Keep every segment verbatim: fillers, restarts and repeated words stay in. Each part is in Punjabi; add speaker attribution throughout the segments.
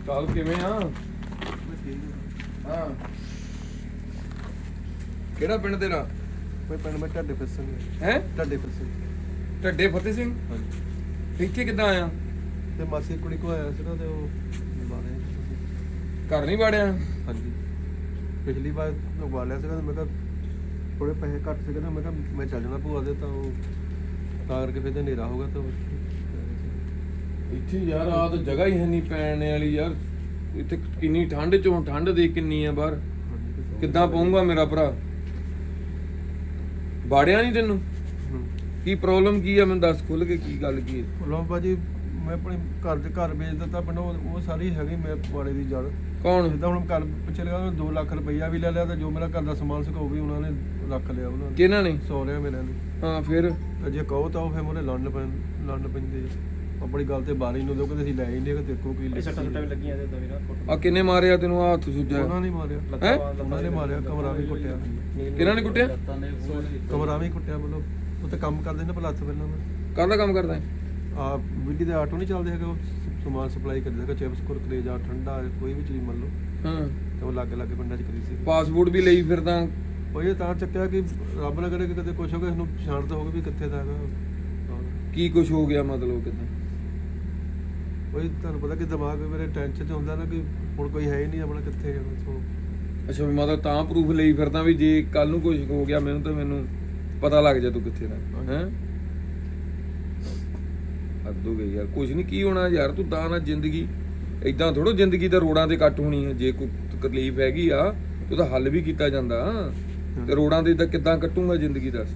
Speaker 1: ਚੱਲ ਕਿਵੇਂ ਆ? ਹਾਂ ਕਿਹੜਾ ਪਿੰਡ ਤੇਰਾ?
Speaker 2: ਮੈਂ ਪਿੰਡ ਮੈਂ ਢੱਡੇ ਫਤਿਹ ਸਿੰਘ
Speaker 1: ਹੈ
Speaker 2: ਢੱਡੇ ਫਤਿਹ ਸਿੰਘ।
Speaker 1: ਢੱਡੇ ਫਤਿਹ ਸਿੰਘ।
Speaker 2: ਹਾਂਜੀ।
Speaker 1: ਇੱਥੇ ਕਿੱਦਾਂ ਆਇਆ?
Speaker 2: ਤੇ ਮਾਸੀ ਕੁੜੀ ਕੋ ਆਇਆ ਸੀਗਾ ਤੇ ਉਹ ਬਾਰੇ
Speaker 1: ਘਰ ਨਹੀਂ ਵਾੜਿਆ?
Speaker 2: ਹਾਂਜੀ ਪਿਛਲੀ ਵਾਰ ਲਗਵਾ ਲਿਆ ਸੀਗਾ ਤੇ ਮੈਂ ਕਿਹਾ ਥੋੜੇ ਪੈਸੇ ਘੱਟ ਸੀਗੇ ਨਾ, ਮੈਂ ਕਿਹਾ ਮੈਂ ਚੱਲ ਜਾਣਾ ਭੂਆ ਦੇ, ਤਾਂ ਉਹ ਤਾਂ ਕਰਕੇ ਫਿਰ ਤੇ ਹਨੇਰਾ ਹੋਗਾ ਤਾਂ
Speaker 1: ਇੱਥੇ ਯਾਰ ਆ ਤਾਂ ਜਗ੍ਹਾ ਹੀ ਹੈ ਨਹੀਂ ਪੈਣ ਵਾਲੀ ਯਾਰ। ਇੱਥੇ ਕਿੰਨੀ ਠੰਡ ਚੋਂ ਠੰਡ ਦੇ ਕਿੰਨੀ ਆ ਬਾਹਰ, ਕਿੱਦਾਂ ਪਊਂਗਾ ਮੇਰਾ ਭਰਾ? ਬਾੜਿਆ ਨਹੀਂ ਤੈਨੂੰ? ਕੀ ਪ੍ਰੋਬਲਮ ਕੀ ਆ ਮੈਨੂੰ ਦੱਸ ਖੁੱਲ ਕੇ, ਕੀ ਗੱਲ ਕੀ ਹੈ?
Speaker 2: ਲੋ ਭਾਜੀ ਮੈਂ ਆਪਣੇ ਘਰ ਦੇ ਘਰ ਵੇਚ ਦਿੱਤਾ ਪਿੰਡ, ਉਹ ਸਾਰੀ ਹੈਗੀ ਮੇਰੇ ਵਾਲੇ ਦੀ ਜੜ।
Speaker 1: ਕੌਣ?
Speaker 2: ਜਿੱਦਾਂ ਹੁਣ ਘਰ ਪਿੱਛੇ ਲਗਾ ਦੋ ਲੱਖ ਰੁਪਈਆ ਵੀ ਲੈ ਲਿਆ ਤੇ ਜੋ ਮੇਰਾ ਘਰ ਦਾ ਸਮਾਨ ਸੀਗਾ ਉਹ ਵੀ ਉਹਨਾਂ ਨੇ ਰੱਖ ਲਿਆ। ਉਹਨਾਂ ਨੇ
Speaker 1: ਕਿਹਨਾਂ ਨੇ?
Speaker 2: ਸਹੁਰਿਆਂ ਮੇਰੇ ਨੇ।
Speaker 1: ਹਾਂ ਫਿਰ
Speaker 2: ਤੇ ਜੇ ਕਹੋ ਤਾਂ ਉਹ ਫਿਰ ਮੋਰੇ ਲੜਨ ਪੈਣ ਲੜਨ ਪੈਂਦੇ ਆਪਣੀ ਗੱਲ ਤੇ ਬਾਰੀ ਨੂੰ ਦੋ, ਕਿ ਅਸੀਂ ਲੈ ਹੀ ਨਹੀਂ, ਕਿ ਦੇਖੋ ਕੀ
Speaker 3: ਸੱਟਾਂ ਸੁੱਟਾਂ ਵੀ ਲੱਗੀਆਂ ਤੇ ਵੀਰਾ
Speaker 1: ਆ ਕਿੰਨੇ ਮਾਰਿਆ ਤੈਨੂੰ? ਆ ਹੱਥ ਸੁੱਜਾ?
Speaker 2: ਉਹਨਾਂ ਨੇ ਮਾਰਿਆ।
Speaker 1: ਹੈਂ?
Speaker 2: ਉਹਨਾਂ ਨੇ ਮਾਰਿਆ, ਕਮਰਾ ਵੀ ਕੁੱਟਿਆ।
Speaker 1: ਕਿਹਨਾਂ ਨੇ ਕੁੱਟਿਆ?
Speaker 2: ਕਮਰਾ ਵੀ ਕੁੱਟਿਆ। ਮਤਲਬ ਉੱਥੇ ਕੰਮ ਕਰਦੇ ਨੇ ਪਲੱਥ ਪਹਿਲਾਂ ਮੈਂ
Speaker 1: ਕਾਹਦਾ ਕੰਮ ਕਰਦਾ?
Speaker 2: ਆ ਬਿਜਲੀ ਦੇ ਆਟੋ ਨਹੀਂ ਚੱਲਦੇ ਹੈਗੇ, ਉਹ ਸਮਾਨ ਸਪਲਾਈ ਕਰਦੇ ਹੈਗੇ, ਚਿਪਸ ਕੁਰਕਰੇ ਜਾਂ ਠੰਡਾ ਕੋਈ ਵੀ ਚੀਜ਼ ਮੰਨ ਲਓ।
Speaker 1: ਹਾਂ
Speaker 2: ਤੇ ਉਹ ਲਾਗੇ ਲਾਗੇ ਪਿੰਡਾਂ 'ਚ ਕਰੀ ਸੀ।
Speaker 1: ਪਾਸਪੋਰਟ ਵੀ ਲਈ ਫਿਰਦਾ?
Speaker 2: ਉਹ ਇਹ ਤਾਂ ਚੱਕਿਆ ਕਿ ਰੱਬ ਨਾ ਕਰੇ ਕਿ ਕਦੇ ਕੁਛ ਹੋ ਗਿਆ, ਇਹਨੂੰ ਪਛਾਣ ਤਾਂ ਹੋਵੇ ਵੀ ਕਿੱਥੇ ਦਾ ਹੈਗਾ।
Speaker 1: ਕੀ ਕੁਝ ਹੋ ਗਿਆ ਮਤਲਬ ਕਿੱਦਾਂ?
Speaker 2: ਕੋਈ ਤੁਹਾਨੂੰ ਪਤਾ ਕਿ ਦਿਮਾਗ ਮੇਰੇ ਟੈਨਸ਼ਨ 'ਚ ਹੁੰਦਾ ਨਾ ਕਿ ਹੁਣ ਕੋਈ ਹੈ ਹੀ ਨਹੀਂ ਆਪਣਾ, ਕਿੱਥੇ ਜਾਣਾ। ਸੋ
Speaker 1: ਅੱਛਾ ਵੀ ਮਤਲਬ ਤਾਂ ਪ੍ਰੂਫ ਲਈ ਫਿਰਦਾ ਵੀ ਜੇ ਕੱਲ ਨੂੰ ਕੁਝ ਹੋ ਗਿਆ ਮੈਨੂੰ ਤਾਂ ਮੈਨੂੰ ਪਤਾ ਲੱਗ ਜਾ ਤੂੰ ਕਿੱਥੇ ਦਾ ਹੈ। ਹੱਦ ਹੋ ਗਈ ਯਾਰ। ਕੁਝ ਨਹੀਂ ਕੀ ਹੋਣਾ ਯਾਰ, ਤੂੰ ਤਾਂ ਨਾ ਜ਼ਿੰਦਗੀ ਇਦਾਂ ਥੋੜੋ ਜ਼ਿੰਦਗੀ ਤਾਂ ਰੋਡਾਂ ਤੇ ਕੱਟ ਹੋਣੀ ਹੈ। ਜੇ ਕੋਈ ਤਕਲੀਫ ਹੈਗੀ ਆ ਉਹਦਾ ਹੱਲ ਵੀ ਕੀਤਾ ਜਾਂਦਾ ਤੇ ਰੋਡਾਂ ਤੇ ਤਾਂ ਕਿੱਦਾਂ ਕੱਟੂਗਾ ਜ਼ਿੰਦਗੀ? ਦੱਸ।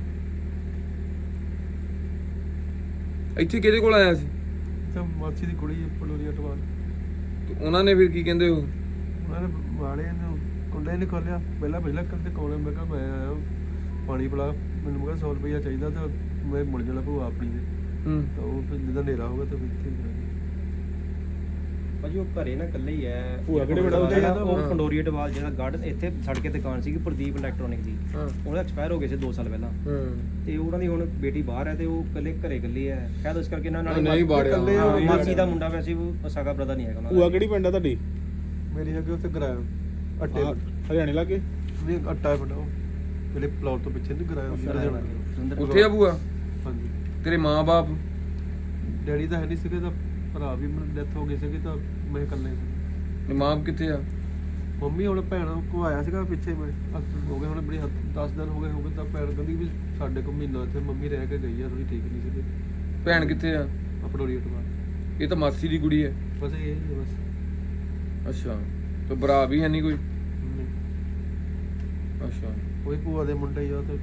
Speaker 1: ਇੱਥੇ ਕਿਹਦੇ ਕੋਲ ਆਇਆ ਸੀ?
Speaker 2: ਤਾਂ ਮਾਸੀ ਦੀ ਕੁੜੀ ਪਲੋਰੀਆ ਟਵਾਲ।
Speaker 1: ਤੇ ਉਹਨਾਂ ਨੇ ਫਿਰ ਕੀ ਕਹਿੰਦੇ? ਉਹ
Speaker 2: ਉਹਨਾਂ ਨੇ ਵਾਲੇ ਨੇ ਕੁੰਡੇ ਨਹੀਂ ਖੋਲਿਆ, ਪਹਿਲਾਂ ਪਹਿਲਾਂ ਕਰਦੇ ਕੋਲੇ। ਮੈਂ ਕਿਹਾ ਮੈਂ ਆਇਆ ਪਾਣੀ ਪਿਲਾ, ਮੈਨੂੰ ਮੈਂ ਸੌ ਰੁਪਈਆ ਚਾਹੀਦਾ ਤਾਂ ਮੈਂ ਮੁੜ ਜਾਣਾ ਭੂਆ ਆਪਣੀ ਦੇ।
Speaker 1: ਹੂੰ
Speaker 2: ਤਾਂ ਉਹ ਫਿਰ ਜਿੱਦਾਂ ਹਨੇਰਾ ਹੋਗਾ ਤਾਂ ਇੱਥੇ ਹੀ
Speaker 3: ਭਾਜੀ ਉਹ ਘਰੇ ਨਾ ਇਕੱਲੇ ਹੀ ਐ।
Speaker 2: ਭੂਆ ਕਿਹੜੇ ਬੜਾ
Speaker 3: ਜਿਹੜਾ ਉਹ ਪੰਡੋਰੀ ਟਵਾਲ ਜਿਹੜਾ ਗਾਰਡਨ ਇੱਥੇ ਸੜਕ ਤੇ ਦੁਕਾਨ ਸੀਗੀ ਪ੍ਰਦੀਪ ਇਲੈਕਟ੍ਰੋਨਿਕ ਦੀ,
Speaker 1: ਹਾਂ
Speaker 3: ਉਹਦਾ ਐਕਸਪਾਇਰ ਹੋ ਗਏ ਸੀ ਦੋ ਸਾਲ ਪਹਿਲਾਂ।
Speaker 1: ਹਾਂ
Speaker 3: ਤੇ ਉਹਨਾਂ ਦੀ ਹੁਣ ਬੇਟੀ ਬਾਹਰ ਹੈ ਤੇ ਉਹ ਇਕੱਲੇ ਘਰੇ ਇਕੱਲੀ ਹੈ ਸ਼ਾਇਦ, ਇਸ ਕਰਕੇ ਇਹਨਾਂ ਨਾਲ
Speaker 1: ਨਹੀਂ ਬਾੜਿਆ।
Speaker 3: ਹਾਂ, ਮਾਸੀ ਦਾ ਮੁੰਡਾ ਵੈਸੇ ਉਹ ਸਗਾ ਬ੍ਰਦਰ ਨਹੀਂ ਹੈਗਾ ਉਹਨਾਂ ਦਾ।
Speaker 4: ਭੂਆ ਕਿਹੜੀ ਪਿੰਡ ਆ ਤੁਹਾਡੀ?
Speaker 2: ਮੇਰੀ ਹੈਗੀ ਉੱਥੇ ਗਰਾਇਆ ਅੱਟੇ
Speaker 4: ਹਰਿਆਣੇ ਲਾਗੇ?
Speaker 2: ਨਹੀਂ ਅੱਟਾ ਪਿੰਡ ਉਹ ਜਿਹੜੇ ਪਲਾਟ ਤੋਂ ਪਿੱਛੇ ਨਹੀਂ ਗਰਾਇਆ
Speaker 3: ਸੁਰਿੰਦਰ
Speaker 1: ਉੱਥੇ ਆ ਭੂਆ?
Speaker 2: ਹਾਂਜੀ।
Speaker 1: ਤੇਰੇ ਮਾਂ-ਬਾਪ?
Speaker 2: ਡੈਡੀ ਤਾਂ ਹੈ ਨਹੀਂ ਸੀਗੇ, ਤਾਂ ਭਰਾ ਵੀ ਡੈਥ ਹੋ ਗਈ ਸੀਗੀ, ਤਾਂ ਮੈਂ ਇਕੱਲੇ ਸੀ।
Speaker 1: ਮਾਂ ਕਿੱਥੇ ਆ?
Speaker 2: ਮੰਮੀ ਹੁਣ ਭੈਣ ਕੋ ਆਇਆ ਸੀਗਾ ਪਿੱਛੇ, ਮੈਂ ਹੋ ਗਏ ਹੁਣ ਬੜੀ ਦਸ ਦਿਨ ਹੋ ਗਏ ਹੋ ਗਏ ਤਾਂ ਭੈਣ ਕਹਿੰਦੀ ਵੀ ਸਾਡੇ ਕੋਲ ਮਹੀਨਾ ਇੱਥੇ ਮੰਮੀ ਰਹਿ ਕੇ ਗਈ ਆ, ਥੋੜੀ ਠੀਕ ਨਹੀਂ ਸੀਗੀ।
Speaker 1: ਭੈਣ ਕਿੱਥੇ ਆ?
Speaker 2: ਅਪੜੋਰੀ ਟਵਾ।
Speaker 1: ਇਹ ਤਾਂ ਮਾਸੀ ਦੀ ਕੁੜੀ ਹੈ।
Speaker 2: ਬਸ ਇਹ ਹੀ ਹੈ ਬਸ।
Speaker 1: ਅੱਛਾ ਤੇ ਭਰਾ ਵੀ ਹੈ ਨਹੀਂ ਕੋਈ?
Speaker 2: ਨਹੀਂ।
Speaker 1: ਅੱਛਾ
Speaker 2: ਕੋਈ ਭੂਆ ਦੇ ਮੁੰਡੇ ਹੀ ਆ ਤੇ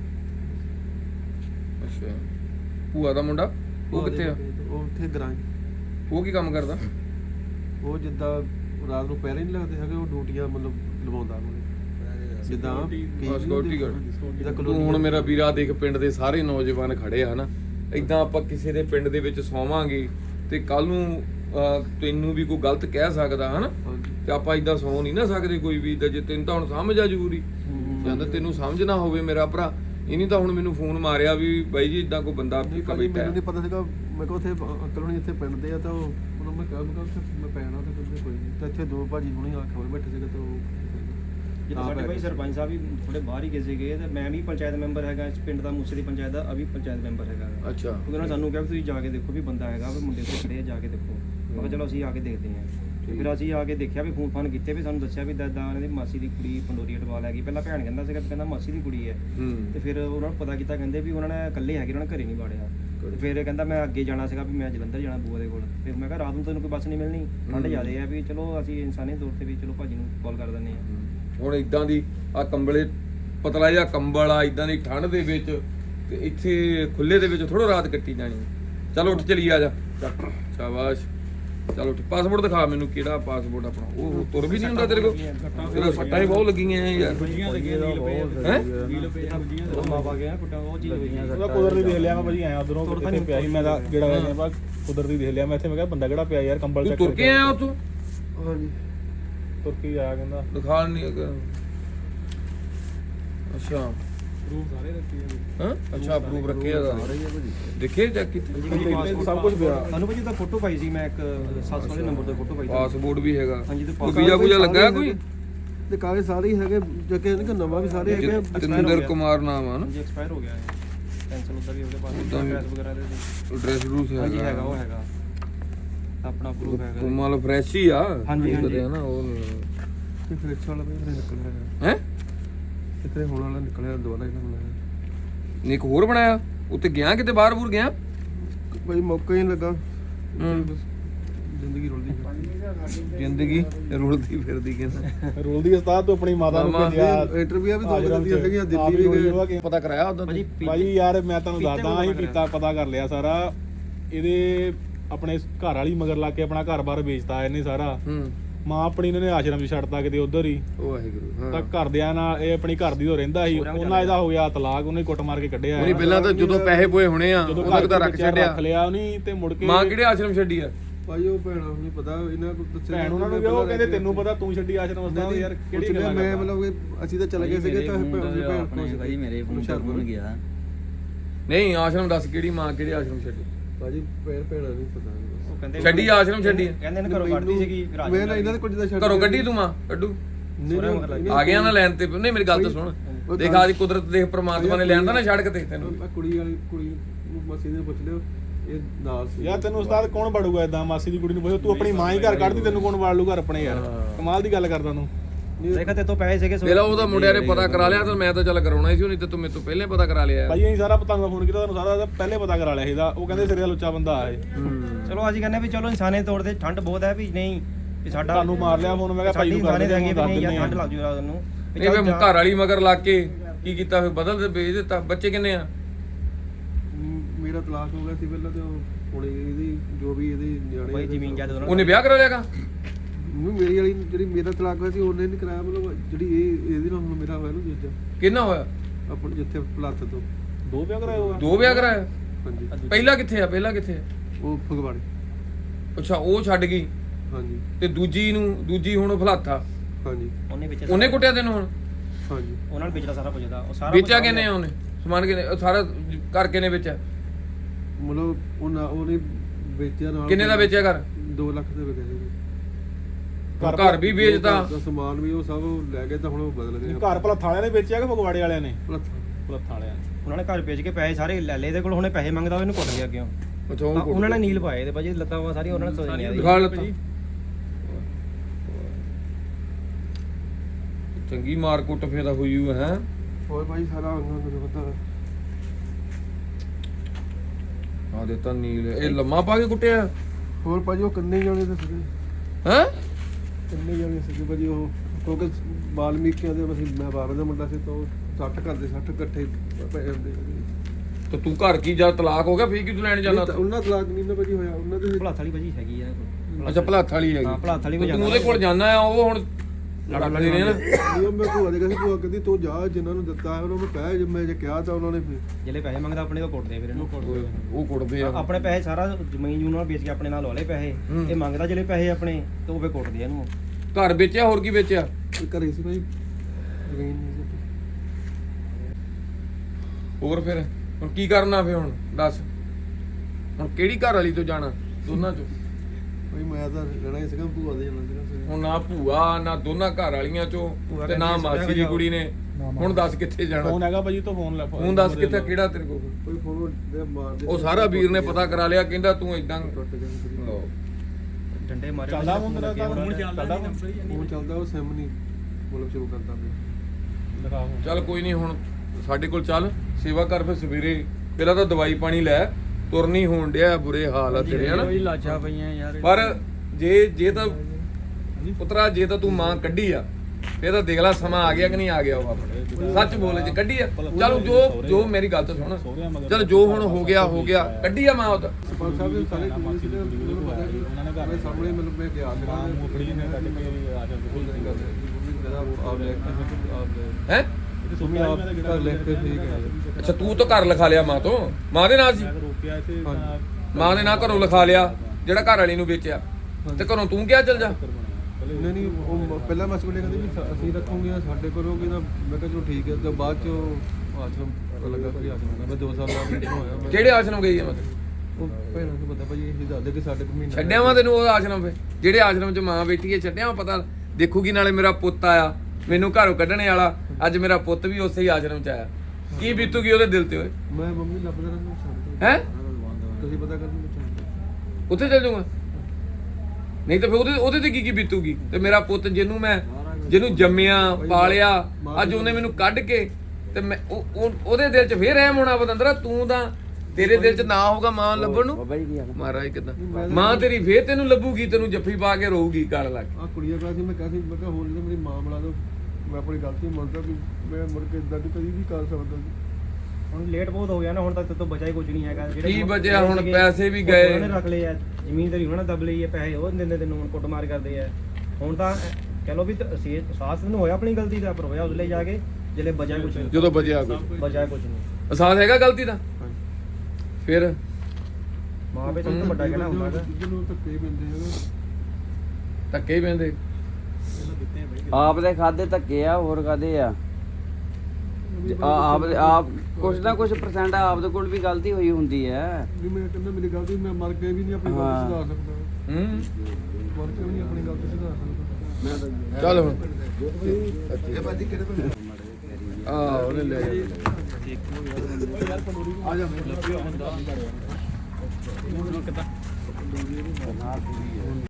Speaker 1: ਅੱਛਾ ਭੂਆ ਦਾ ਮੁੰਡਾ ਉਹ ਕਿੱਥੇ ਆ?
Speaker 2: ਉਹ ਉੱਥੇ ਗਰਾਂ।
Speaker 1: ਉਹ ਕੀ ਕੰਮ ਕਰਦਾ?
Speaker 2: ਉਹ ਜਿੱਦਾਂ ਰਾਤ ਨੂੰ ਪੈਰੇ ਨਹੀਂ ਲੱਗਦੇ ਹੈਗੇ, ਉਹ ਡਿਊਟੀਆਂ ਮਤਲਬ ਲਵਾਉਂਦਾ ਉਹਨੇ। ਜਿੱਦਾਂ
Speaker 1: ਸਿਕਿਉਰਿਟੀ ਗਾਰਡ। ਤੂੰ ਹੁਣ ਮੇਰਾ ਵੀਰਾ ਦੇਖ ਪਿੰਡ ਦੇ ਸਾਰੇ ਨੌਜਵਾਨ ਖੜੇ ਆ ਹਨਾ, ਇਦਾਂ ਆਪਾਂ ਕਿਸੇ ਦੇ ਪਿੰਡ ਦੇ ਵਿੱਚ ਸੌਵਾਂਗੇ ਤੇ ਕੱਲ ਨੂੰ ਤੈਨੂੰ ਵੀ ਕੋਈ ਗਲਤ ਕਹਿ ਸਕਦਾ ਹਨਾ, ਤੇ ਆਪਾਂ ਇਦਾਂ ਸੌ ਨਹੀਂ ਨਾ ਸਕਦੇ ਕੋਈ ਵੀ। ਜੇ ਤੈਨੂੰ ਤਾਂ ਹੁਣ ਸਮਝ ਆ ਜ਼ਰੂਰੀ ਜਾਂਦਾ, ਤੈਨੂੰ ਸਮਝ ਨਾ ਹੋਵੇ ਮੇਰਾ ਭਰਾ। ਇਹ ਨਹੀਂ ਤਾਂ ਹੁਣ ਮੈਨੂੰ ਫੋਨ ਮਾਰਿਆ ਵੀ ਬਾਈ ਜੀ ਇਦਾਂ ਕੋਈ ਬੰਦਾ
Speaker 2: ਬੈਠਾ। ਮੈਨੂੰ ਨਹੀਂ ਪਤਾ ਸੀਗਾ, ਮੈਂ ਕਿਹਾ ਉੱਥੇ ਅੰਕਲ ਹੁਣੀ ਇੱਥੇ ਪਿੰਡ ਦੇ ਆ, ਤਾਂ ਉਹ ਉਹਨਾਂ ਮੈਂ ਕਿਹਾ ਮੈਂ ਉੱਥੇ ਮੈਂ ਪੈਣਾ ਤਾਂ ਕਹਿੰਦੇ ਕੋਈ ਨਹੀਂ। ਤਾਂ ਇੱਥੇ ਦੋ ਭਾਜੀ ਹੁਣੀ ਆ ਕੇ ਹੋਰ ਬੈਠੇ ਸੀਗੇ, ਤਾਂ ਉਹ
Speaker 3: ਜਿੱਦਾਂ ਸਾਡੇ ਭਾਈ ਸਰਪੰਚ ਸਾਹਿਬ ਵੀ ਥੋੜੇ ਬਾਹਰ ਹੀ ਗਏ ਸੀਗੇ ਤੇ ਮੈਂ ਵੀ ਪੰਚਾਇਤ ਮੈਂਬਰ ਹੈਗਾ ਇਸ ਪਿੰਡ ਦਾ, ਮੂਸੇ ਦੀ ਪੰਚਾਇਤ ਦਾ ਅਭੀ ਪੰਚਾਇਤ ਮੈਂਬਰ ਹੈਗਾ।
Speaker 1: ਅੱਛਾ
Speaker 3: ਉਹਨਾਂ ਨੇ ਸਾਨੂੰ ਕਿਹਾ ਵੀ ਤੁਸੀਂ ਜਾ ਕੇ ਦੇਖੋ ਵੀ ਬੰਦਾ ਹੈਗਾ ਵੀ ਮੁੰਡੇ ਉੱਤੇ ਖੜੇ ਆ, ਜਾ ਕੇ ਦੇਖੋ। ਮੈਂ ਕਿਹਾ ਚਲੋ ਅਸੀਂ ਆ ਕੇ ਦੇਖਦੇ ਹਾਂ। ਫਿਰ ਅਸੀਂ ਆ ਕੇ ਦੇਖਿਆ ਵੀ ਫੋਨ ਫਾਨ ਕੀਤੇ ਵੀ ਸਾਨੂੰ ਦੱਸਿਆ ਵੀ ਦਾਦਾ ਇਹਨਾਂ ਦੀ ਮਾਸੀ ਦੀ ਕੁੜੀ ਪੰਡੋਰੀ ਟਵਾਲ ਹੈਗੀ। ਪਹਿਲਾਂ ਭੈਣ ਕਹਿੰਦਾ ਸੀਗਾ, ਕਹਿੰਦਾ ਮਾਸੀ ਦੀ ਕੁੜੀ ਹੈ। ਤੇ ਫਿਰ ਉਹਨਾਂ ਨੂੰ ਪਤਾ ਕੀਤਾ, ਕਹਿੰਦੇ ਵੀ ਉਹਨਾਂ ਨੇ ਇਕੱਲੇ ਹੈਗੇ, ਉਹਨਾਂ ਨੇ ਘਰੇ ਨਹੀਂ ਵਾੜਿਆ। ਤੇ ਫਿਰ ਕਹਿੰਦਾ ਮੈਂ ਅੱਗੇ ਜਾਣਾ ਸੀਗਾ ਵੀ ਮੈਂ ਜਲੰਧਰ ਜਾਣਾ ਬੂਆ ਦੇ ਕੋਲ। ਫਿਰ ਮੈਂ ਕਿਹਾ ਰਾਤ ਨੂੰ ਤੈਨੂੰ ਕੋਈ ਬੱਸ ਨਹੀਂ ਮਿਲਣੀ, ਠੰਡ ਜ਼ਿਆਦੇ ਆ ਵੀ ਚਲੋ ਅਸੀਂ ਇਨਸਾਨੀ ਤੌਰ ਤੇ ਵੀ ਚਲੋ ਭਾਜੀ ਨੂੰ ਕਾਲ ਕਰ ਦਿੰਦੇ ਹਾਂ।
Speaker 1: ਹੁਣ ਇਦਾਂ ਦੀ ਆ ਕੰਬਲੇ ਪਤਲਾ ਜਿਹਾ ਕੰਬਲ ਆ ਇਦਾਂ ਦੀ ਠੰਡ ਦੇ ਵਿੱਚ, ਤੇ ਇੱਥੇ ਖੁੱਲੇ ਦੇ ਵਿੱਚ ਥੋੜਾ ਰਾਤ ਕੱਟੀ ਜਾਣੀ। ਚਲ ਉੱਠ ਚਲੀ ਆ ਜਾ। ਸ਼ਾਬਾਸ਼ ਚਲ ਉੱਠ। ਪਾਸਪੋਰਟ ਦਿਖਾ ਮੈਨੂੰ, ਕਿਹੜਾ ਪਾਸਪੋਰਟ ਆਪਣਾ? ਉਹ ਤੁਰ ਵੀ ਨਹੀਂ ਹੁੰਦਾ ਤੇਰੇ ਕੋਲ? ਤੇਰਾ ਸੱਟਾਂ ਹੀ ਬਹੁਤ ਲੱਗੀਆਂ ਯਾਰ। ਹੈ
Speaker 3: ਉਹ ਮਾਪਾ ਗਿਆ ਕੁੱਟਾ ਉਹ ਚੀਜ਼ ਹੋਈ।
Speaker 4: ਉਹਦਾ ਕੁਦਰਤੀ ਦੇਖ ਲਿਆ ਮੈਂ ਭਾਜੀ, ਆਇਆ ਉਧਰੋਂ ਕਿੱਥੇ ਪਿਆ ਸੀ ਮੈਂ ਤਾਂ ਜਿਹੜਾ ਹੋਇਆ ਬਸ ਕੁਦਰਤੀ ਦੇਖ ਲਿਆ ਮੈਂ ਇੱਥੇ। ਮੈਂ ਕਿਹਾ ਬੰਦਾ ਕਿਹੜਾ ਪਿਆ ਯਾਰ ਕੰਬਲ
Speaker 1: ਤੂੰ
Speaker 4: ਚੱਕ
Speaker 1: ਤੁਰ ਕੇ ਆਇਆ ਉੱਥੋਂ?
Speaker 2: ਹਾਂਜੀ
Speaker 4: ਤੁਰ ਕੇ ਆਇਆ ਕਹਿੰਦਾ।
Speaker 1: ਦਿਖਾ ਨਹੀਂ ਹੈਗਾ। ਅੱਛਾ
Speaker 4: ਪ੍ਰੂਫ ਸਾਰੇ ਰੱਖੇ ਆ
Speaker 1: ਹਾਂ ਅੱਛਾ ਪ੍ਰੂਫ ਰੱਖੇ ਆ ਸਾਰੇ ਦੇਖੇ ਚੈੱਕ ਕੀਤੇ
Speaker 4: ਜੀ ਸਭ ਕੁਝ ਪਿਆ
Speaker 3: ਸਾਨੂੰ ਭਾਜੀ ਤਾਂ ਫੋਟੋ ਪਾਈ ਸੀ ਮੈਂ ਇੱਕ ਸੱਤ ਵਾਲੇ ਨੰਬਰ ਤੇ ਫੋਟੋ ਪਾਈ ਸੀ
Speaker 1: ਪਾਸਪੋਰਟ ਵੀ ਹੈਗਾ
Speaker 3: ਹਾਂਜੀ ਤੇ
Speaker 1: ਕੋਈ ਵੀਜ਼ਾ ਵੂਜਾ ਲੱਗਾ ਕੋਈ
Speaker 2: ਤੇ ਕਾਗਜ਼ ਸਾਰੇ ਹੀ ਹੈਗੇ ਜੱਕੇ ਇਹਨਾਂ ਨਵਾਂ ਵੀ ਸਾਰੇ ਹੈਗੇ ਆ।
Speaker 1: ਜਤਿੰਦਰ ਕੁਮਾਰ ਨਾਮ ਆ ਨਾ
Speaker 3: ਜੀ ਐਕਸਪਾਇਰ ਹੋ ਗਿਆ ਹੈ ਕੈਂਸਲ ਉਧਰ ਵੀ ਉਹਦੇ ਪਾਸ ਐਡਰੈਸ ਵਗੈਰਾ ਦੇ
Speaker 1: ਐਡਰੈਸ ਰੂਸ
Speaker 3: ਹਾਂਜੀ
Speaker 1: ਹੈਗਾ
Speaker 3: ਹੈਗਾ ਉਹ ਹੈਗਾ ਆਪਣਾ ਪ੍ਰੂਫ ਹੈਗਾ
Speaker 1: ਕੁਮਾਲ ਫਰੈਸ਼ ਹੀ ਆ
Speaker 3: ਹਾਂਜੀ, ਹਾਂਜੀ।
Speaker 1: ਉਹਦੇ ਨਾ ਉਹ
Speaker 2: ਤੇ ਫਿਰ ਇੱਥੇ ਵਾਲਾ ਵੀ ਨਿਕਲਿਆ ਹੈਗਾ
Speaker 1: ਹੈ
Speaker 2: ਇੱਥੇ ਹੋਣ ਵਾਲਾ ਨਿਕਲਿਆ ਦੁਬਾਰਾ ਇਹਨਾਂ ਬਣਾਇਆ
Speaker 1: ਨੇ ਇੱਕ ਹੋਰ ਬਣਾਇਆ ਉੱਤੇ ਗਿਆ ਕਿਤੇ ਬਾਹਰ ਬੂਰ ਗਿਆ
Speaker 2: ਭਾਈ ਮੌਕਾ ਹੀ ਨੀ ਲੱਗਾ
Speaker 1: ਹੂੰ।
Speaker 2: ਬਸ ਜ਼ਿੰਦਗੀ ਰੁਲਦੀ ਪਈ।
Speaker 1: ਜ਼ਿੰਦਗੀ ਰੁਲਦੀ ਫਿਰਦੀ ਕਹਿੰਦਾ
Speaker 4: ਰੋਲ ਦੀ ਉਸਤਾਦ ਤੋਂ ਆਪਣੀ ਮਾਤਾ ਨੂੰ
Speaker 1: ਮਾਮਾ,
Speaker 4: ਭੇਜਿਆ
Speaker 2: ਇੰਟਰਵਿਊ ਵੀ ਦੋ
Speaker 4: ਆਸ਼ਰਮ
Speaker 2: ਦਿਨ ਦੀਆਂ
Speaker 4: ਚ।
Speaker 2: ਹੈਗੀਆਂ
Speaker 4: ਆਪ
Speaker 2: ਦਿੱਲੀ
Speaker 4: ਹੀ
Speaker 2: ਵੀ ਗਏ
Speaker 4: ਹੋਈ ਹੋਆ
Speaker 1: ਪਤਾ ਕਰਾਇਆ ਉਦੋਂ
Speaker 3: ਭਾਜੀ
Speaker 4: ਭਾਈ ਯਾਰ ਮੈਂ ਤੁਹਾਨੂੰ
Speaker 3: ਪੀਤੇ
Speaker 4: ਦੱਸਦਾ ਅਸੀਂ
Speaker 3: ਕੋਲ
Speaker 4: ਪੀਤਾ ਪਤਾ ਕਰ ਲਿਆ ਸਾਰਾ ਇਹਦੇ ਆਪਣੇ ਘਰ ਵਾਲੀ ਮਗਰ ਲਾ ਕੇ ਆਪਣਾ ਘਰ-ਬਾਰ ਵੇਚਤਾ ਇਹਨੇ ਸਾਰਾ
Speaker 1: ਹੂੰ
Speaker 4: ਮਾਂ ਆਪਣੀ ਨੇ ਆਸ਼ਰਮ 'ਚ ਛੱਡਤਾ ਕਿਤੇ ਉਧਰ ਹੀ
Speaker 1: ਉਹ ਵਾਹਿਗੁਰੂ
Speaker 4: ਤਾਂ
Speaker 1: ਹਾਂ
Speaker 4: ਘਰਦਿਆਂ ਨਾਲ ਇਹ ਆਪਣੀ ਘਰ ਦੀ ਤੋਂ ਰਹਿੰਦਾ ਸੀ ਉਹਨਾਂ ਇਹਦਾ ਹੋ ਗਿਆ ਤਲਾਕ ਉਹਨੇ ਕੁੱਟ ਮਾਰ ਕੇ ਕੱਢਿਆ
Speaker 1: ਉਹਨੇ ਪਹਿਲਾਂ ਤਾਂ ਜਦੋਂ ਪੈਸੇ ਪੋਏ ਹੋਣੇ ਆ
Speaker 4: ਜਦੋਂ
Speaker 1: ਉਹਨਾਂ
Speaker 4: ਘਰ
Speaker 1: ਦਾ
Speaker 4: ਦਾ
Speaker 1: ਰੱਖ ਛੱਡਿਆ
Speaker 4: ਰੱਖ ਲਿਆ ਉਹਨੇ ਤੇ ਮੁੜ ਕੇ
Speaker 1: ਮਾਂ ਕਿਹੜੇ ਆਸ਼ਰਮ ਛੱਡੀ ਆ
Speaker 2: ਭਾਈ ਉਹ ਭੈਣਾ ਨੂੰ ਨਹੀਂ ਪਤਾ ਇਹਨਾਂ ਨੂੰ ਦੱਸਿਆ
Speaker 4: ਭੈਣ ਉਹਨਾਂ ਨੂੰ ਵੀ ਉਹ ਕਹਿੰਦੇ ਤੈਨੂੰ ਪਤਾ ਤੂੰ ਛੱਡੀ ਆਸ਼ਰਮ ਉਸਦਾ ਯਾਰ ਕਿਹੜੀ ਗੱਲ
Speaker 2: ਮੈਂ ਮਤਲਬ ਕਿ ਅਸੀਂ ਤਾਂ ਚਲੇ ਗਏ ਸੀਗੇ ਤਾਂ ਭੈਣ
Speaker 5: ਆਪਣੇ ਭਾਈ ਮੇਰੇ ਫੋਨ ਤੋਂ ਫੋਨ ਗਿਆ
Speaker 1: ਨਹੀਂ ਆਸ਼ਰਮ ਦੱਸ ਕਿਹੜੀ ਮਾਂ ਕਿਹੜੇ ਆਸ਼ਰਮ ਛੱਡੀ
Speaker 2: ਭਾਜੀ ਭੈਣ ਭੈਣਾ ਨਹੀਂ ਪਤਾ
Speaker 3: ਉਹ ਕਹਿੰਦੇ
Speaker 1: ਛੱਡੀ ਆਸ਼ਰਮ ਛੱਡੀ
Speaker 3: ਕਹਿੰਦੇ ਨੇ ਘਰੋਂ ਕੱਢਦੀ ਸੀਗੀ ਫਿਰ ਆ
Speaker 2: ਮੈਂ ਨਾ ਇਹਨਾਂ ਦੇ ਕੋਲ ਜਿੱਦਾਂ ਛੱਡ
Speaker 1: ਘਰੋਂ ਕੱਢੀ ਤੂੰ ਮਾਂ ਕੱਢੂ
Speaker 2: ਨਹੀਂ, ਨਹੀਂ,
Speaker 1: ਆ ਗਿਆ ਨਾ ਲੈਣ ਤੇ ਨਹੀਂ ਮੇਰੀ ਗੱਲ ਤਾਂ ਸੁਣ ਦੇਖ ਆਦੀ ਕੁਦਰਤ ਦੇਖ ਪ੍ਰਮਾਤਮਾ ਨੇ ਲਿਆਂਦਾ ਨਾ ਸੜਕ ਤੇ ਤੈਨੂੰ
Speaker 2: ਆਹ ਕੁੜੀ ਵਾਲੀ ਕੁੜੀ ਨੂੰ ਮਾਸੀ ਨੇ ਪੁੱਛ ਲਿਓ ਇਹ ਨਾਲ ਸੀ
Speaker 4: ਯਾਰ ਤੈਨੂੰ ਉਸਤਾਦ ਕੌਣ ਵੜੂਗਾ ਇਦਾਂ ਮਾਸੀ ਦੀ ਕੁੜੀ ਨੂੰ ਪੁੱਛੋ ਤੂੰ ਆਪਣੀ ਮਾਂ ਹੀ ਘਰ ਕੱਢਦੀ ਤੈਨੂੰ ਕੌਣ ਵੜ ਲੂ ਘਰ ਆਪਣੇ ਯਾਰ ਕਮਾਲ ਦੀ ਗੱਲ ਕਰਦਾ ਤੂੰ
Speaker 3: ਦੇਖਾ ਤੇ ਤੋਂ ਪੈਸੇ ਸੀਗੇ
Speaker 1: ਤੇਰਾ ਉਹਦਾ ਮੁੰਡਿਆਂ ਨੇ ਪਤਾ ਕਰਾ ਲਿਆ ਤਾਂ ਮੈਂ ਤਾਂ ਚੱਲ ਕਰਾਉਣਾ ਹੀ ਸੀ ਨਹੀਂ ਤੇ ਤੂੰ ਮੇਰੇ ਤੋਂ ਪਹਿਲੇ ਪਤਾ ਕਰਾ ਲਿਆ
Speaker 4: ਭਾਈ ਅਸੀਂ ਸਾਰਾ ਪਤਾ ਫੋਨ ਕੀਤਾ ਤੁਹਾਨੂੰ ਸਾਰਾ ਪਹਿਲੇ ਪਤਾ ਕਰਾ ਲਿਆ ਸੀਦਾ ਉਹ ਕਹਿੰਦੇ ਸਿਰੇ ਦਾ ਲੁੱਚਾ ਬੰਦਾ ਆ ਇਹ
Speaker 3: ਚਲੋ ਅਸੀਂ ਕਹਿੰਦੇ ਵੀ ਚਲੋ ਇਨਸਾਨੇ ਤੌਰ ਤੇ ਠੰਡ ਬਹੁਤ ਹੈ ਵੀ ਨਹੀਂ ਵੀ ਸਾਡਾ
Speaker 4: ਤੁਹਾਨੂੰ ਮਾਰ ਲਿਆ ਫੋਨ ਮੈਂ ਕਿਹਾ ਭਾਈ ਨੂੰ ਕਰ
Speaker 3: ਇਨਸਾਨੇ
Speaker 4: ਦੇ
Speaker 3: ਦੇ ਵੀ ਨਹੀਂ ਯਾਰ ਠੰਡ ਲੱਗ ਜੂ ਰਾਤ ਨੂੰ
Speaker 1: ਨਹੀਂ ਵੇ ਘਰ ਵਾਲੀ ਮਗਰ ਲੱਗ ਕੇ ਕੀ ਕੀਤਾ ਫਿਰ ਬਦਲ ਤੇ ਵੇਚ ਦਿੱਤਾ ਬੱਚੇ ਕਿੰਨੇ ਆ
Speaker 2: ਮ- ਮੇਰਾ ਤਲਾਕ ਹੋ ਗਿਆ ਸੀ ਪਹਿਲਾਂ ਤੇ ਉਹ ਹੁਣ ਇਹਦੀ ਜੋ ਵੀ ਇਹਦੀ ਨਿਆਣੇ
Speaker 3: ਕੋਈ ਜ਼ਮੀਨ ਜਾਇਦਾਦ ਉਹਨਾਂ
Speaker 1: ਉਹਨੇ ਵਿਆਹ ਕਰਾ ਲਿਆਗਾ
Speaker 2: ਨੂੰ ਮੇਰੀ ਵਾਲੀ ਜਿਹੜੀ ਮੇਰਾ ਤਲਾਕ ਹੋਇਆ ਸੀ ਉਹਨੇ ਨਹੀਂ ਕਰਾਇਆ ਮਤਲਬ ਜਿਹੜੀ ਇਹ ਇਹਦੀ ਨਾਲ ਹੁਣ ਮੇਰਾ ਹੋਇਆ ਨਾ ਦੂਜਾ
Speaker 1: ਕਿੰਨਾ ਹੋਇਆ
Speaker 2: ਆਪਣ ਜਿੱਥੇ ਪਲਾਤ ਤੋਂ
Speaker 4: ਦੋ ਵਿਆਹ ਕਰਾਏ ਹੋਗਾ
Speaker 1: ਦੋ ਵਿਆਹ ਕਰਾਇਆ
Speaker 2: ਹਾਂਜੀ
Speaker 1: ਪਹਿਲਾ ਕਿੱਥੇ ਆ ਪਹਿਲਾ ਕਿੱਥੇ ਆ
Speaker 2: ਉਹ ਫਗਵਾੜੇ
Speaker 1: ਅੱਛਾ ਉਹ ਛੱਡ ਗਈ
Speaker 2: ਹਾਂਜੀ
Speaker 1: ਤੇ ਦੂਜੀ ਨੂੰ ਦੂਜੀ ਹੁਣ ਫਲਾਥਾ
Speaker 2: ਹਾਂਜੀ
Speaker 3: ਉਹਨੇ ਵਿੱਚ
Speaker 1: ਉਹਨੇ ਕੁੱਟਿਆ ਤੈਨੂੰ ਹੁਣ
Speaker 2: ਹਾਂਜੀ
Speaker 3: ਉਹਨਾਂ ਨੇ ਵੇਚਦਾ ਸਾਰਾ ਕੁਝ ਦਾ ਉਹ ਸਾਰਾ
Speaker 1: ਵੇਚਿਆ ਕਿਨੇ ਆ ਉਹਨੇ ਸਮਾਨ ਕਿਨੇ ਉਹ ਸਾਰਾ ਘਰ ਕਿਨੇ ਵੇਚਿਆ
Speaker 2: ਮਤਲਬ ਉਹ ਨਾ ਉਹਨੇ ਵੇਚਿਆ ਨਾਲ
Speaker 1: ਕਿੰਨੇ ਦਾ ਵੇਚਿਆ ਘਰ
Speaker 2: ਦੋ ਲੱਖ ਦੇ ਵਿਕਿਆ ਸੀ
Speaker 1: ਘਰ ਵੀ ਵੇਚਦਾ
Speaker 2: ਦਾ ਸਮਾਨ ਵੀ ਉਹ ਸਭ ਲੈ ਗਏ ਤਾਂ ਹੁਣ ਉਹ ਬਦਲ ਗਏ
Speaker 4: ਘਰ ਭਲਾ ਥਾਲਿਆਂ ਨੇ ਵੇਚਿਆ ਕਿ ਫਗਵਾੜੇ ਵਾਲਿਆਂ ਨੇ
Speaker 2: ਪਲੱਥ
Speaker 4: ਭਲਾ ਥਾਲਿਆਂ
Speaker 3: ਉਹਨਾਂ ਨੇ ਘਰ ਵੇਚ ਕੇ ਪੈਸੇ ਸਾਰੇ ਲੈ ਲਏ ਇਹਦੇ ਕੋਲ ਹੁਣੇ ਪੈਸੇ ਮੰਗਦਾ ਉਹਨੂੰ ਕੁੱਟ ਗਿਆ ਅੱਗੇ
Speaker 1: ਅੱਛਾ
Speaker 3: ਤਾਂ
Speaker 1: ਉਹ
Speaker 3: ਉਹਨਾਂ ਨੇ ਨੀਲ ਪਾਏ ਤੇ ਭਾਜੀ ਲੱਤਾਂ ਵਾ ਸਾਰੀਆਂ ਉਹਨਾਂ ਨੇ ਸੋਚੀਆਂ
Speaker 1: ਦਿਖਾ ਲੱਤਾਂ ਚੰਗੀ ਮਾਰ ਕੁੱਟ ਫੇਰ ਹੋਈ ਹੋਈ ਹੈ
Speaker 2: ਹੋਰ ਭਾਈ ਸਾਰਾ ਅੰਗਾਂ ਨੂੰ ਪਤਾ
Speaker 1: ਆ ਦਿੱਤਾ ਨੀਲ ਇਹ ਲੰਮਾ ਪਾ ਕੇ ਕੁੱਟਿਆ
Speaker 2: ਹੋਰ ਭਾਜੀ ਉਹ ਕੰਨੇ ਜਾਣੇ ਤੇ ਸੀਗੇ
Speaker 1: ਹੈ
Speaker 2: ਕੰਨੇ ਜਾਣੇ ਸੀਗੇ ਭਾਜੀ ਉਹ ਕਿਉਂਕਿ ਬਾਲਮੀਕਿਆਂ ਦੇ ਅਸੀਂ ਮੈਂ ਬਾਬਾ ਦਾ ਮੁੰਡਾ ਸੀ ਤਾਂ ਉਹ ਸੱਠ ਘਰ ਦੇ ਸੱਠ ਇਕੱਠੇ ਪਏ ਹੁੰਦੇ ਸੀਗੇ।
Speaker 1: ਤੇ ਤੂੰ ਘਰ ਕੀ ਜਦ ਤਲਾਕ ਹੋ ਗਿਆ ਫੇਰ ਕੀ ਤੂੰ ਲੈਣ ਜਾਣਾ
Speaker 2: ਨਹੀਂ ਤਾਂ ਉਹਨਾਂ ਦਾ ਤਲਾਕ ਨਹੀਂ ਨਾ ਭਾਜੀ ਹੋਇਆ ਉਹਨਾਂ ਦੇ
Speaker 3: ਭਲਾਥ ਵਾਲੀ ਭਾਜੀ ਹੈਗੀ ਆ
Speaker 1: ਅੱਛਾ ਭਲਾਥ ਵਾਲੀ ਹੈਗੀ
Speaker 3: ਹਾਂ, ਭਲਾਥ ਵਾਲੀ
Speaker 1: ਤੇ
Speaker 3: ਵੀ
Speaker 1: ਤੂੰ ਉਹਦੇ ਕੋਲ ਜਾਣਾ ਆ ਉਹ ਹੁਣ ਲੜਦੇ ਨੇ ਨਾ
Speaker 2: ਉਹ ਮੈਂ ਭੂਆ ਦੇ ਕਹਿੰਦੀ ਭੂਆ ਕਹਿੰਦੀ ਤੂੰ ਜਾ ਜਿਨ੍ਹਾਂ ਨੂੰ ਦਿੱਤਾ ਹੈ ਉਹਨਾਂ ਨੂੰ ਕਹਿ ਜੇ ਮੈਂ ਜੇ ਕਿਹਾ ਤਾਂ ਉਹਨਾਂ ਨੇ ਫਿਰ
Speaker 3: ਜਿਹੜੇ ਪੈਸੇ ਮੰਗਦਾ ਆਪਣੇ ਤੋਂ ਕੁੱਟਦੇ ਫਿਰ ਇਹਨੂੰ
Speaker 1: ਉਹ ਕੁੱਟਦੇ ਆ
Speaker 3: ਆਪਣੇ ਪੈਸੇ ਸਾਰਾ ਜ਼ਮੀਨ ਜੂਨ ਨਾਲ ਵੇਚ ਕੇ ਆਪਣੇ ਨਾਲ ਲਵਾ ਲਏ ਪੈਸੇ
Speaker 1: ਹੂੰ।
Speaker 3: ਇਹ ਮੰਗਦਾ ਜਿਹੜੇ ਪੈਸੇ ਆਪਣੇ ਤੇ ਉਹ ਫੇ ਕੁੱਟਦੇ ਆ ਇਹਨੂੰ
Speaker 1: ਘਰ ਵੇਚਿਆ ਹੋਰ ਕੀ ਵੇਚਿਆ
Speaker 2: ਇਹ ਘਰੇ ਸੀ ਭਾਈ ਜ਼ਮੀਨ ਨਹੀਂ ਸੀ
Speaker 1: ਹੋਰ ਫਿਰ ਹੁਣ ਕੀ ਕਰਨਾ ਫੇ ਹੁਣ ਦੱਸ ਹੁਣ ਕਿਹੜੀ ਘਰ ਵਾਲੀ ਤੋਂ ਜਾਣਾ ਦੋਨਾਂ ਚੋਂ
Speaker 2: ਭਾਈ ਮੈਂ ਤਾਂ ਰਹਿਣਾ ਹੀ ਸੀਗਾ ਭੂਆ ਦੇ ਜਾਣਾ ਸੀਗਾ ਸਵੇਰੇ।
Speaker 1: ਹੁਣ ਨਾ ਭੂਆ ਨਾ ਦੋਨਾਂ ਘਰ ਵਾਲੀਆਂ ਚੋਂ ਤੇ ਨਾ ਮਾਸੀ ਦੀ ਕੁੜੀ ਨੇ ਹੁਣ ਦੱਸ ਕਿੱਥੇ ਜਾਣਾ
Speaker 4: ਫੋਨ ਹੈਗਾ ਭਾਜੀ ਤੋਂ ਫੋਨ ਲੈ
Speaker 1: ਹੁਣ ਦੱਸ ਕਿੱਥੇ ਕਿਹੜਾ ਤੇਰੇ ਕੋਲ
Speaker 2: ਕੋਈ ਫੋਨ ਦੇ ਮਾਰਦੇ
Speaker 1: ਉਹ ਸਾਰਾ ਵੀਰ ਨੇ ਪਤਾ ਕਰਾ ਲਿਆ ਕਹਿੰਦਾ ਤੂੰ ਇਦਾਂ
Speaker 2: ਟੁੱਟ ਗਿਆ ਸੀ।
Speaker 3: ਡੰਡੇ ਮਾਰੇ
Speaker 4: ਚੱਲਦਾ ਫੋਨ ਤੇਰਾ ਤਾਂ ਹੁਣ ਚੱਲਦਾ
Speaker 2: ਫੋਨ ਚੱਲਦਾ ਉਹ ਸਿਮ ਨਹੀਂ ਮਤਲਬ ਸ਼ੁਰੂ ਕਰਦਾ ਪਿਆ
Speaker 4: ਦਿਖਾ ਫੋਨ
Speaker 1: ਚੱਲ ਕੋਈ ਨਹੀਂ ਹੁਣ ਸਾਡੇ ਕੋਲ ਚੱਲ ਸੇਵਾ ਕਰ ਫਿਰ ਸਵੇਰੇ ਪਹਿਲਾਂ ਤਾਂ ਦਵਾਈ ਪਾਣੀ ਲੈ ਤੁਰਨੀ ਹੋਣ ਡਿਆ ਬੁਰੇ ਹਾਲ ਆ ਤੇਰੇ ਹਨਾ
Speaker 5: ਲਾਚਾ ਪਈਆਂ ਯਾਰ
Speaker 1: ਪਰ ਜੇ ਜੇ ਤਾਂ ਪੁੱਤਰਾ ਜੇ ਤਾਂ ਤੂੰ ਮਾਂ ਕੱਢੀ ਆ ਫੇਰ ਤਾਂ ਦੇਖ ਲੈ ਸਮਾਂ ਆ ਗਿਆ ਕਿ ਨਹੀਂ ਆ ਗਿਆ ਉਹ ਆਪਣੇ ਸੱਚ ਬੋਲੇ ਜੇ ਕੱਢੀ ਆ ਚਲ ਜੋ ਜੋ ਮੇਰੀ ਗੱਲ ਤਾਂ ਸੁਣ ਚਲ ਜੋ ਹੁਣ ਹੋ ਗਿਆ ਹੋ ਗਿਆ ਕੱਢੀ ਆ ਮਾਂ ਉਹ ਤਾਂ
Speaker 2: ਸਰਪੰਚ ਸਾਹਿਬ ਦੇ ਸਾਰੇ ਕੋਲ ਸੀ ਤੇ ਉਹਨਾਂ ਨੂੰ ਪਤਾ ਕਿ
Speaker 4: ਉਹਨਾਂ ਨੇ ਘਰ
Speaker 2: ਮੇਰੇ ਸਾਹਮਣੇ ਮਤਲਬ ਮੈਂ ਗਿਆ ਸੀਗਾ
Speaker 4: ਮਾਂ ਮੁਖੜੀ ਨੇ ਕੱਢ ਕੇ ਆ ਜਾ
Speaker 2: ਮੇਰਾ ਆਪ ਲੈ ਕੇ ਆਪ ਲੈ
Speaker 1: ਹੈ
Speaker 2: ਸੁਮੀ ਆਪ ਘਰ ਲੈ ਕੇ ਠੀਕ ਹੈ
Speaker 1: ਅੱਛਾ ਤੂੰ ਤਾਂ ਘਰ ਲਿਖਾ ਲਿਆ ਮਾਂ ਤੋਂ ਮਾਂ ਦੇ ਨਾਲ ਸੀ
Speaker 4: ਰੋਕਿਆ ਇੱਥੇ
Speaker 1: ਮਾਂ ਦੇ ਨਾਂ ਘਰੋਂ ਲਿਖਾ ਲਿਆ ਜਿਹੜਾ ਘਰ ਵਾਲੀ ਨੂੰ ਵੇਚਿਆ ਤੇ ਘਰੋਂ ਤੂੰ ਕਿਹਾ ਚੱਲ ਜਾ
Speaker 2: ਨਹੀਂ ਨਹੀਂ ਉਹ ਪਹਿਲਾਂ ਮੈਂ ਸਕੂਲੇ ਕਹਿੰਦੀ ਵੀ ਸ- ਅਸੀਂ ਰੱਖੋਗੇ ਸਾਡੇ ਕੋਲ ਹੋਗੇ ਤਾਂ ਮੈਂ ਕਿਹਾ ਚਲੋ ਠੀਕ ਹੈ ਤੇ ਬਾਅਦ ਚ ਆਸ਼ਰਮ ਪਤਾ ਲੱਗਾ ਕੋਈ ਆਸ਼ਰਮ ਦਾ ਮੈਂ ਦੋ ਸਾਲ ਬਾਅਦ ਇੱਥੋਂ ਆਇਆ ਮੈਂ
Speaker 1: ਕਿਹੜੇ ਆਸ਼ਰਮ ਗਈ ਆ ਮਤਲਬ
Speaker 2: ਉਹ ਭੈਣਾਂ ਨੂੰ ਪਤਾ ਭਾਜੀ ਇਹ ਦੱਸਦੇ ਕਿ ਸਾਡੇ ਕੋਲ ਮਹੀਨਾ
Speaker 1: ਛੱਡਿਆ ਵਾ ਤੈਨੂੰ ਉਹ ਆਸ਼ਰਮ ਫੇ ਜਿਹੜੇ ਆਸ਼ਰਮ 'ਚ ਮਾਂ ਬੈਠੀ ਹੈ ਛੱਡਿਆ ਵਾ ਪਤਾ ਦੇਖੂਗੀ ਨਾਲੇ ਮੇਰਾ ਪੁੱਤ ਆਇਆ ਮੈਨੂੰ ਘਰੋਂ ਕੱਢਣੇ ਵਾਲਾ ਅੱਜ ਮੇਰਾ ਪੁੱਤ ਵੀ ਉਸੇ ਹੀ ਆਸ਼ਰਮ 'ਚ ਆਇਆ ਕੀ ਬੀਤੂਗੀ ਉਹਦੇ ਦਿਲ ਤੇ ਓਏ
Speaker 2: ਮੈਂ ਮੰਮੀ ਲੱਭਦਾ ਰਹਿੰਦਾ ਛੱਡ
Speaker 1: ਹੈ
Speaker 2: ਤੁਸੀਂ ਪਤਾ ਕਰ ਦਿਓ ਚਾਹੁੰਦੇ
Speaker 1: ਉੱਥੇ ਚੱਲ ਜਾਊਗਾ ਨਹੀਂ ਤਾਂ ਫਿਰ ਉਹਦੇ ਉਹਦੇ ਤੇ ਕੀ ਕੀ ਬੀਤੂਗੀ ਤੇ ਮੇਰਾ ਪੁੱਤ ਜਿਹਨੂੰ ਮੈਂ ਜਿਹਨੂੰ ਜੰਮਿਆ ਪਾਲਿਆ ਅੱਜ ਉਹਨੇ ਮੈਨੂੰ ਕੱਢ ਕੇ ਤੇ ਮੈਂ ਉਹ ਉਹ- ਉਹਦੇ ਦਿਲ 'ਚ ਫੇਰ ਰਹਿਮ ਹੋਣਾ ਬਦੰਦਰਾ ਤੂੰ ਤਾਂ ਤੇਰੇ ਦਿਲ 'ਚ ਨਾ ਹੋਊਗਾ ਮਾਂ ਲੱਭਣ ਨੂੰ
Speaker 5: ਬਾਬਾ ਜੀ ਕੀ ਹਾਲ
Speaker 1: ਮਹਾਰਾਜ ਕਿਦਾਂ ਮਾਂ ਤੇਰੀ ਫੇਰ ਤੈਨੂੰ ਲੱਭੂਗੀ ਤੈਨੂੰ ਜੱਫੀ ਪਾ ਕੇ ਰੋਊਗੀ ਗਲ ਲੱਗ
Speaker 2: ਆ ਕੁੜੀਆਂ ਕਹਿੰਦੀ ਮੈਂ ਕਹਿੰਦੀ ਮੈਂ ਕਿਹਾ ਹੋਰ ਜੇ ਮੇਰੀ ਮਾਂ ਬੁਲਾ ਦੋ ਮੈਂ ਆਪਣੀ ਗਲਤੀ ਮੰਨਦਾ ਕਿ ਮੈਂ ਮੁੜ ਕੇ ਇਦਾਂ ਦੀ ਕਦੀ ਵੀ ਕਰ ਸਕਦਾ ਸੀ
Speaker 3: ਹੁਣ ਲੇਟ ਬਹੁਤ ਹੋ ਗਿਆ ਨਾ ਹੁਣ ਤੱਕ ਤੋਂ ਬਚਾ ਹੀ ਕੁਝ ਨਹੀਂ ਹੈਗਾ
Speaker 1: ਕੀ ਬਚਿਆ ਹੁਣ ਪੈਸੇ ਵੀ ਗਏ
Speaker 3: ਉਹਨਾਂ ਨੇ ਰੱਖ ਲਏ ਆ ਜ਼ਮੀਨਦਾਰੀ ਉਹਨਾਂ ਨੇ ਦਬ ਲਈ ਹੈ ਪੈਸੇ ਉਹ ਨੀ ਦਿੰਦੇ ਤੈਨੂੰ ਹੁਣ ਕੁੱਟਮਾਰ ਕਰਦੇ ਆ ਹੁਣ ਤਾਂ ਕਹ ਲੋ ਵੀ ਤ- ਸਾਹਸ ਨੂੰ ਹੋਇਆ ਆਪਣੀ ਗਲਤੀ ਦਾ ਪਰ ਹੋਇਆ ਉਸ ਲਈ ਜਾ ਕੇ ਜਿਹੜੇ ਬਚਾ ਕੁਝ ਨਹੀਂ
Speaker 1: ਜਦੋਂ ਬਚਿਆ ਕੋਈ
Speaker 3: ਬਚਾ ਕੁਝ ਨਹੀਂ
Speaker 1: ਅਹਿਸਾਸ ਹੈਗਾ ਗਲਤੀ ਦਾ ਫਿਰ
Speaker 3: ਮਾਂ ਪਿਓ ਤੋਂ ਵੱਡਾ ਕਹਿਣਾ ਹੁੰਦਾ ਹੈਗਾ
Speaker 2: ਜਿਹਨੂੰ ਧੱਕੇ ਪੈਂਦੇ ਹੈਗੇ
Speaker 1: ਧੱਕੇ ਹੀ ਪੈਂਦੇ
Speaker 5: ਆਪ ਦੇ ਖਾਦੇ ਧੱਕੇ ਆ ਹੋਰ ਕਾਦੇ ਆ ਆ- ਆਪ ਆਪ ਕੁਛ ਨਾ ਕੁਛ ਪਰਸੈਂਟ ਆਪ ਦੇ ਕੋਲ ਵੀ ਗਲਤੀ ਹੋਈ ਹੁੰਦੀ ਹੈ
Speaker 2: ਵੀ ਮੈਂ ਕਹਿੰਦਾ ਮੇਰੀ ਗਲਤੀ ਮੈਂ ਮਰ ਕੇ ਵੀ ਨਹੀਂ ਆਪਣੀ
Speaker 5: ਹਾਂ।
Speaker 2: ਗਲਤੀ ਸੁਧਾਰ ਸਕਦਾ
Speaker 1: ਹੂੰ
Speaker 2: ਮਰ ਕੇ ਵੀ ਨਹੀਂ ਆਪਣੀ ਗਲਤੀ ਸੁਧਾਰ ਸਕਦਾ
Speaker 1: ਚੱਲ ਹੁਣ ਆ ਉਹਨੇ ਲੈ ਜਾ